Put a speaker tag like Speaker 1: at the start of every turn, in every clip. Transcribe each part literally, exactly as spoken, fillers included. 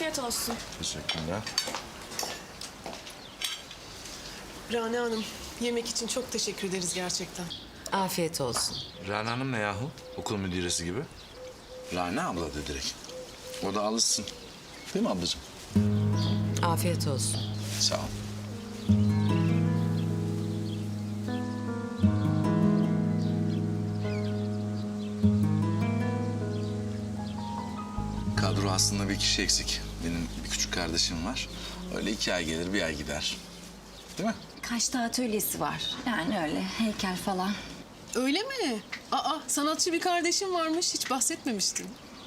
Speaker 1: Afiyet olsun.
Speaker 2: Teşekkürler.
Speaker 3: Rana Hanım, yemek için çok teşekkür ederiz gerçekten.
Speaker 4: Afiyet olsun.
Speaker 2: Rana Hanım ne yahu? Okul müdüresi gibi. Rana abla da direkt. O da alışsın. Değil mi ablacığım?
Speaker 4: Afiyet olsun.
Speaker 2: Sağ ol. Kadro aslında bir kişi eksik. Benim bir küçük kardeşim var. Öyle iki ay gelir, bir ay gider. Değil mi?
Speaker 5: Kaçta atölyesi var. Yani öyle heykel falan.
Speaker 3: Öyle mi? Aa, sanatçı bir kardeşim varmış. Hiç bahsetmemiştin.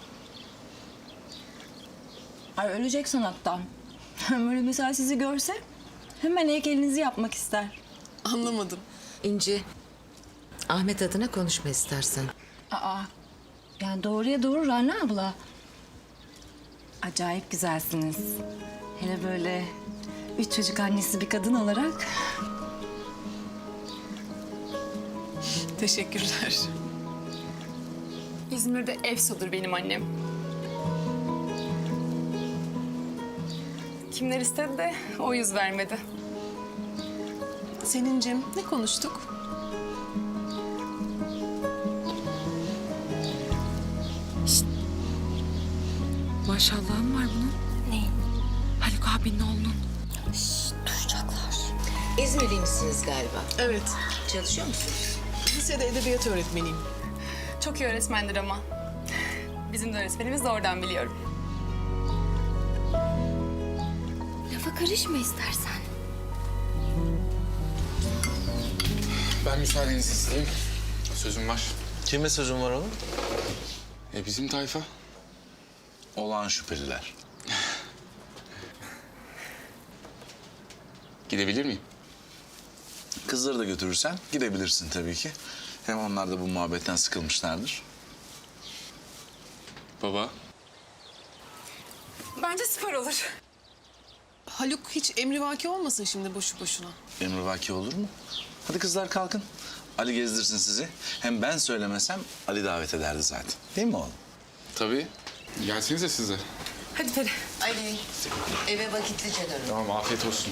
Speaker 5: Ay ölecek sanattan. Böyle mesela sizi görse hemen heykelinizi yapmak ister.
Speaker 3: Anlamadım.
Speaker 4: İnci, Ahmet adına konuşma istersen.
Speaker 5: Aa, yani doğruya doğru Rana abla. Acayip güzelsiniz. Hele böyle üç çocuk annesi bir kadın olarak.
Speaker 3: Teşekkürler.
Speaker 1: İzmir'de Efso'dur benim annem. Kimler istedi de o yüz vermedi.
Speaker 3: Selin'cim, ne konuştuk?
Speaker 6: Maşallahım var bunun.
Speaker 5: Neyin?
Speaker 6: Haluk abinin oğlunun.
Speaker 5: Duyacaklar.
Speaker 4: İzmirli misiniz galiba?
Speaker 3: Evet,
Speaker 4: Çalışıyor musunuz?
Speaker 3: lisede edebiyat öğretmeniyim.
Speaker 1: Çok iyi öğretmendir ama. Bizim de öğretmenimiz de oradan biliyorum.
Speaker 5: Lafa karışma istersen.
Speaker 7: Ben müsaadenizi isteyeyim. Sözüm var.
Speaker 2: Kime sözün var oğlum?
Speaker 7: E bizim tayfa.
Speaker 2: Olağan şüpheliler.
Speaker 7: Gidebilir miyim?
Speaker 2: Kızları da götürürsen gidebilirsin tabii ki. Hem onlar da bu muhabbetten sıkılmışlardır.
Speaker 7: Baba.
Speaker 1: Bence süper olur.
Speaker 3: Haluk hiç emrivaki olmasın şimdi boşu boşuna.
Speaker 2: Emrivaki olur mu? Hadi kızlar kalkın. Ali gezdirsin sizi. Hem ben söylemesem Ali davet ederdi zaten. Değil mi oğlum?
Speaker 7: Tabii. Gelsenize siz de.
Speaker 1: Hadi Peri.
Speaker 4: Ali, eve vakitlice dönün.
Speaker 7: Tamam, afiyet olsun.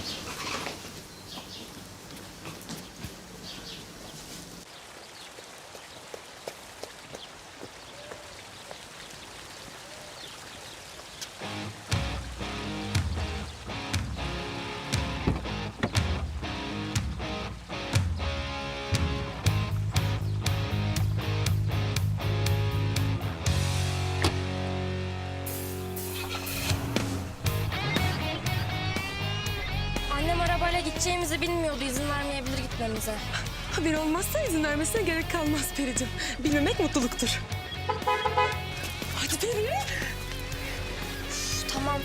Speaker 8: Annem arabayla gideceğimizi bilmiyordu. İzin vermeyebilir gitmemize.
Speaker 6: Haber olmazsa izin vermesine gerek kalmaz Peri'cim. Bilmemek mutluluktur. Hadi Peri.
Speaker 8: Üf, tamam.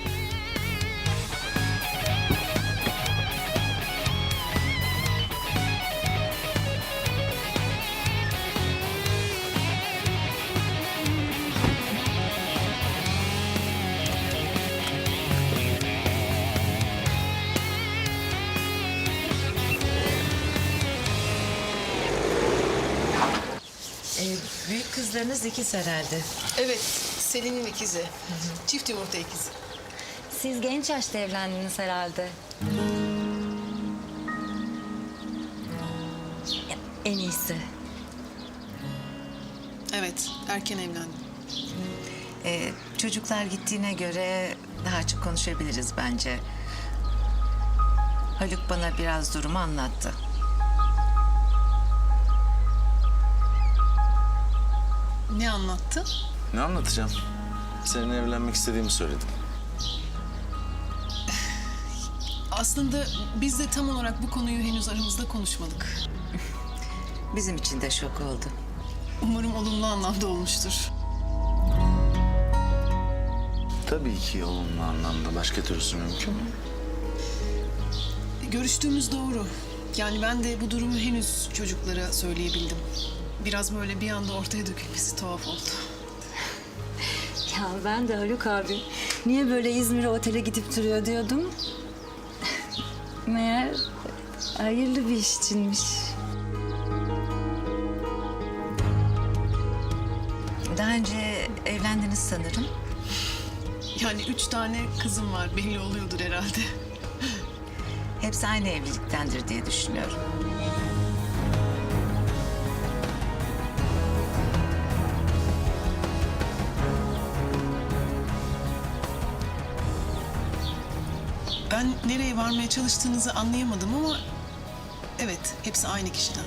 Speaker 4: Ee, büyük kızlarınız ikiz herhalde.
Speaker 3: Evet, Selin'in ikizi. Çift yumurta ikizi.
Speaker 5: Siz genç yaşta evlendiniz herhalde. Ya, en iyisi.
Speaker 3: Evet, erken evlendim.
Speaker 4: Ee, çocuklar gittiğine göre daha çok konuşabiliriz bence. Haluk bana biraz durumu anlattı.
Speaker 3: Ne anlattı?
Speaker 2: Ne anlatacağım? Seninle evlenmek istediğimi söyledim.
Speaker 3: Aslında biz de tam olarak bu konuyu henüz aramızda konuşmadık.
Speaker 4: Bizim için de şok oldu.
Speaker 3: Umarım olumlu anlamda olmuştur.
Speaker 2: Tabii ki olumlu anlamda. Başka türlüsü mümkün mü?
Speaker 3: Görüştüğümüz doğru. Yani ben de bu durumu henüz çocuklara söyleyebildim. Biraz böyle bir anda ortaya dökülmesi tuhaf oldu.
Speaker 5: Ya ben de Haluk abi niye böyle İzmir'e otele gidip duruyor diyordum. Meğer hayırlı bir iş içinmiş.
Speaker 4: Daha önce evlendiniz sanırım.
Speaker 3: Yani üç tane kızım var, belli oluyordur herhalde.
Speaker 4: Hepsi aynı evliliktendir diye düşünüyorum.
Speaker 3: Ben nereye varmaya çalıştığınızı anlayamadım ama... Evet, hepsi aynı kişiden.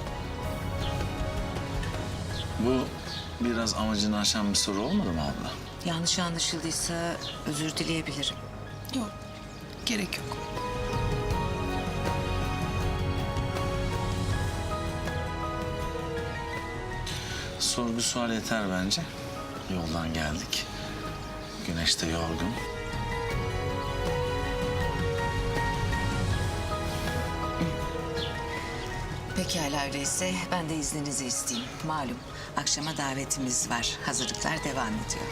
Speaker 2: Bu biraz amacını aşan bir soru olmadı mı abla?
Speaker 4: Yanlış anlaşıldıysa özür dileyebilirim.
Speaker 3: Yok, gerek yok.
Speaker 2: Sorgu sual yeter bence. Yoldan geldik. Güneş de yorgun.
Speaker 4: Pekala öyleyse ben de izninizi isteyeyim. Malum akşama davetimiz var. Hazırlıklar devam ediyor.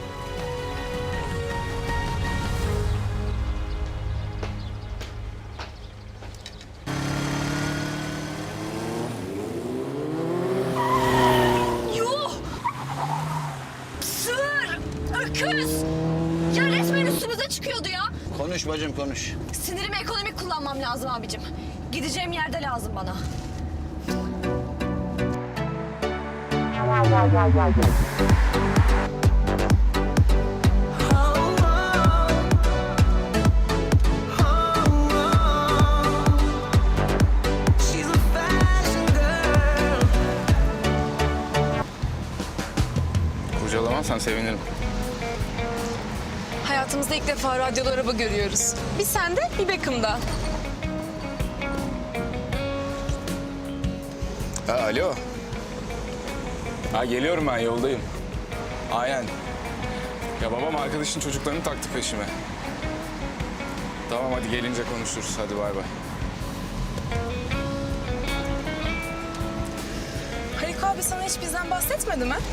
Speaker 8: Yuh! Sığır! Öküz! Ya resmen üstümüze çıkıyordu ya.
Speaker 9: Konuş bacım konuş.
Speaker 8: Sinirimi ekonomik kullanmam lazım abicim. Gideceğim yerde lazım bana.
Speaker 7: Kurcalamazsan sevinirim.
Speaker 6: Hayatımızda ilk defa radyolu araba görüyoruz. Bir sende, bir Beckham'da.
Speaker 7: Ha, alo. Ha, geliyorum ben, yoldayım. Aynen. Ya babam arkadaşın çocuklarını taktı peşime. Tamam hadi gelince konuşuruz. Hadi bay bay.
Speaker 6: Haluk abi sana hiç bizden bahsetmedi mi?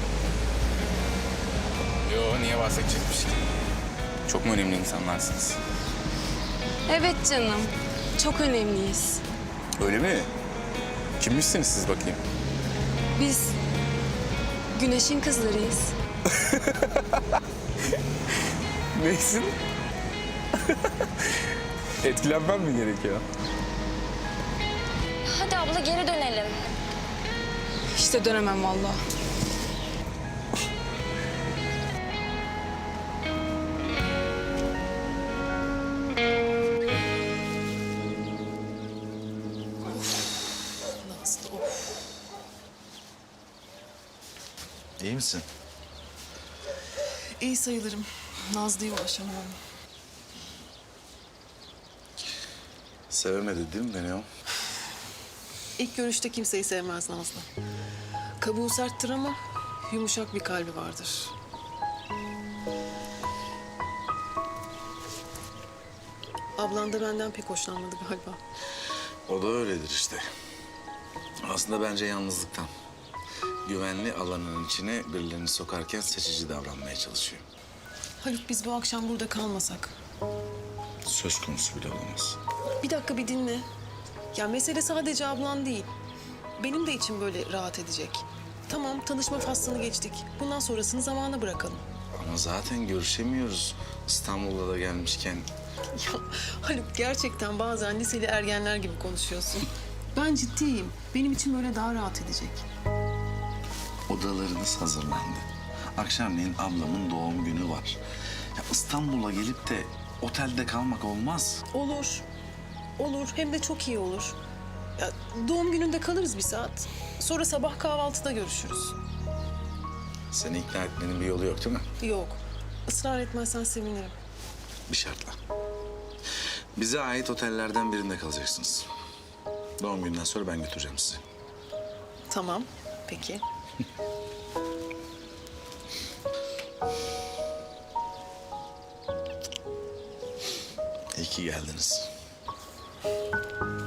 Speaker 7: Yo, niye bahsedecekmiş ki? Çok mu önemli insanlarsınız?
Speaker 6: Evet canım. Çok önemliyiz.
Speaker 7: Öyle mi? Kimmişsiniz siz bakayım?
Speaker 6: Biz Güneş'in kızlarıyız.
Speaker 7: Neysin? Etkilenmem mi gerekiyor?
Speaker 8: Hadi abla geri dönelim.
Speaker 6: İşte dönemem vallahi.
Speaker 3: Nazlı, of.
Speaker 2: İyi misin?
Speaker 3: İyi sayılırım. Nazlı'ya ulaşamıyorum.
Speaker 2: Sevemedi değil mi beni o?
Speaker 3: İlk görüşte kimseyi sevmez Nazlı. Kabuğu serttir ama yumuşak bir kalbi vardır. Ablan da benden pek hoşlanmadı galiba.
Speaker 2: O da öyledir işte. Aslında bence yalnızlıktan. Güvenli alanın içine birilerini sokarken seçici davranmaya çalışıyor.
Speaker 3: Haluk biz bu akşam burada kalmasak.
Speaker 2: Söz konusu bile olamaz.
Speaker 3: Bir dakika bir dinle. Ya mesele sadece ablan değil. Benim de içim böyle rahat edecek. Tamam tanışma faslını geçtik. Bundan sonrasını zamana bırakalım.
Speaker 2: Ama zaten görüşemiyoruz. İstanbul'a da gelmişken.
Speaker 3: Ya Haluk gerçekten bazen liseli ergenler gibi konuşuyorsun. Ben ciddiyim. Benim için böyle daha rahat edecek.
Speaker 2: Odalarınız hazırlandı. Akşamleyin ablamın doğum günü var. Ya İstanbul'a gelip de otelde kalmak olmaz.
Speaker 3: Olur. Olur. Hem de çok iyi olur. Ya, doğum gününde kalırız bir saat. Sonra sabah kahvaltıda görüşürüz.
Speaker 2: Seni ikna etmenin bir yolu yok değil mi?
Speaker 3: Yok. Israr etmezsen sevinirim.
Speaker 2: Bir şartla. Bize ait otellerden birinde kalacaksınız. Doğum gününden sonra ben götüreceğim sizi.
Speaker 3: Tamam. Peki.
Speaker 2: İyi ki geldiniz.